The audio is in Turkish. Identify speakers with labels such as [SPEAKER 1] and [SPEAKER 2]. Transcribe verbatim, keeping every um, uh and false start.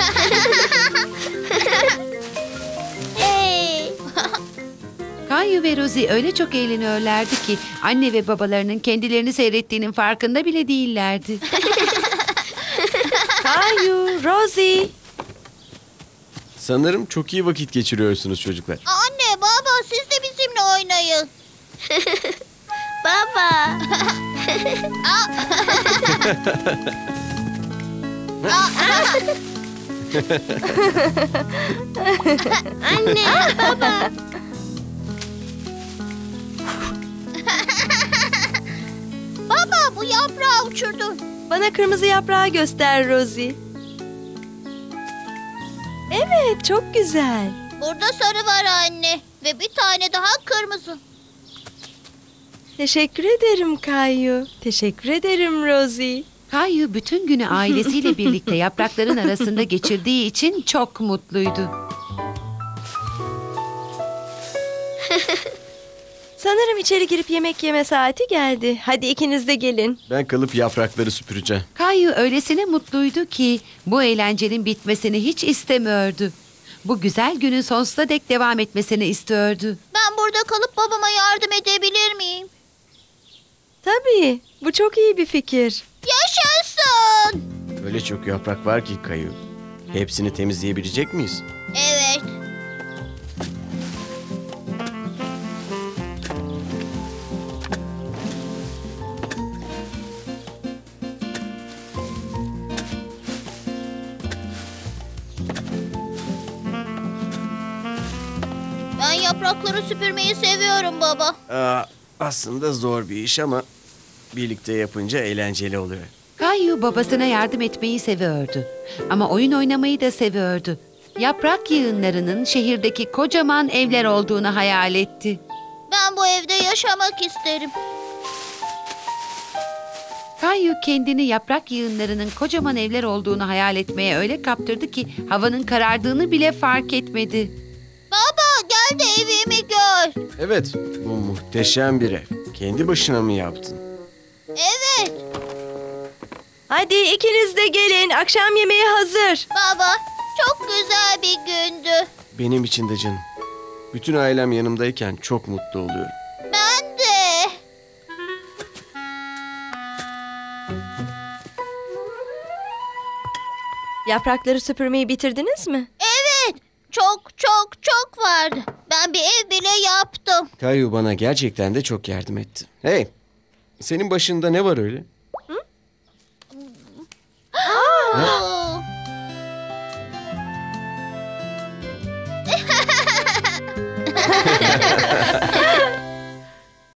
[SPEAKER 1] Hey.
[SPEAKER 2] Kayu ve Rosie öyle çok eğleniyorlardı ki anne ve babalarının kendilerini seyrettiğinin farkında bile değillerdi.
[SPEAKER 3] Kayu, Rosie.
[SPEAKER 4] Sanırım çok iyi vakit geçiriyorsunuz çocuklar.
[SPEAKER 1] Anne, baba siz de bizimle oynayın. Baba. Anne, baba. Baba, bu yaprağı uçurdu.
[SPEAKER 3] Bana kırmızı yaprağı göster Rosie. Evet, çok güzel.
[SPEAKER 1] Burada sarı var anne ve bir tane daha kırmızı.
[SPEAKER 3] Teşekkür ederim Kayu. Teşekkür ederim Rosie.
[SPEAKER 2] Kayu bütün günü ailesiyle birlikte yaprakların arasında geçirdiği için çok mutluydu.
[SPEAKER 3] Sanırım içeri girip yemek yeme saati geldi. Hadi ikiniz de gelin.
[SPEAKER 4] Ben kalıp yaprakları süpüreceğim.
[SPEAKER 2] Kayu öylesine mutluydu ki bu eğlencenin bitmesini hiç istemiyordu. Bu güzel günün sonsuza dek devam etmesini istiyordu.
[SPEAKER 1] Ben burada kalıp babama yardım edebilir miyim?
[SPEAKER 3] Tabii, bu çok iyi bir fikir.
[SPEAKER 1] Yaşasın!
[SPEAKER 4] Öyle çok yaprak var ki Kayu. Hepsini temizleyebilecek miyiz?
[SPEAKER 1] Evet. Ben yaprakları süpürmeyi seviyorum baba.
[SPEAKER 4] Aa, aslında zor bir iş ama birlikte yapınca eğlenceli oluyor.
[SPEAKER 2] Kayu babasına yardım etmeyi seviyordu. Ama oyun oynamayı da seviyordu. Yaprak yığınlarının şehirdeki kocaman evler olduğunu hayal etti.
[SPEAKER 1] Ben bu evde yaşamak isterim.
[SPEAKER 2] Kayu kendini yaprak yığınlarının kocaman evler olduğunu hayal etmeye öyle kaptırdı ki havanın karardığını bile fark etmedi.
[SPEAKER 1] Baba gel de evimi gör.
[SPEAKER 4] Evet, bu muhteşem bir ev. Kendi başına mı yaptın?
[SPEAKER 1] Evet.
[SPEAKER 3] Hadi ikiniz de gelin. Akşam yemeği hazır.
[SPEAKER 1] Baba çok güzel bir gündü.
[SPEAKER 4] Benim için de canım. Bütün ailem yanımdayken çok mutlu oluyorum.
[SPEAKER 1] Ben de.
[SPEAKER 3] Yaprakları süpürmeyi bitirdiniz mi?
[SPEAKER 1] Evet. Çok çok çok vardı. Ben bir ev bile yaptım.
[SPEAKER 4] Kayu bana gerçekten de çok yardım etti. Hey, senin başında ne var öyle?
[SPEAKER 1] Oo.